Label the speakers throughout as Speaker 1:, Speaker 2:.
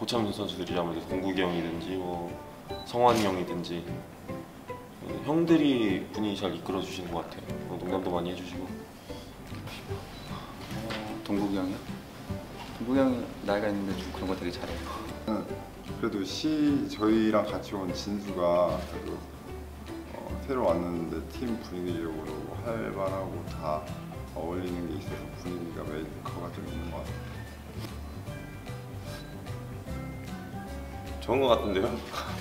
Speaker 1: 고참인 선수들이라면 동국이 형이든지 뭐 성환이 형이든지 형들이 분위기 잘 이끌어 주시는 것 같아요. 농담도 많이 해주시고.
Speaker 2: 동국이 형이요? 동국이 형이 나이가 있는데 좀 그런 거 되게 잘해요.
Speaker 3: 그래도 저희랑 같이 온 진수가 그래도 새로 왔는데 팀 분위기적으로 활발하고 다 어울리는 게 있어서 분위기가 메이커가 좀 있는 것 같아요.
Speaker 1: 좋은 것 같은데요?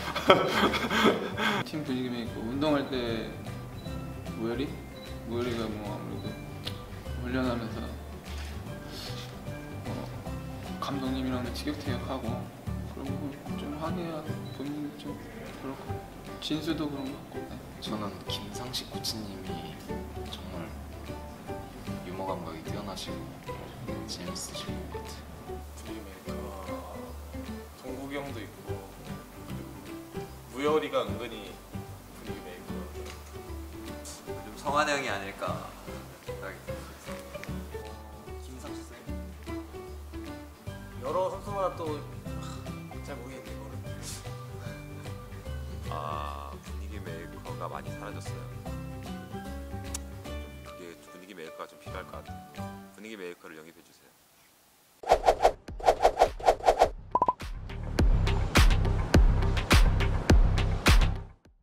Speaker 4: 팀 분위기 메이커 운동할 때 무열이가 뭐 아무래도 훈련하면서 감독님이랑 티격태격하고 그런 거 좀 하게 본인 좀 그렇고 진수도 그런 것 같고. 네.
Speaker 5: 저는 김상식 코치님이 정말 유머 감각이 뛰어나시고 재밌으신 것 같아요.
Speaker 6: 분위기 메이커 동국이 형도 있고 무열이가 은근히 분위기 메이커.
Speaker 7: 좀 성환 형이 아닐까 생각이 들어요.
Speaker 6: 김상식 쌤. 여러 선수마다 또 잘 모르겠네 이거를.
Speaker 8: 분위기 메이커가 많이 사라졌어요. 그게 분위기 메이커가 좀 필요할 것 같아요. 분위기 메이커를 영입해 주세요.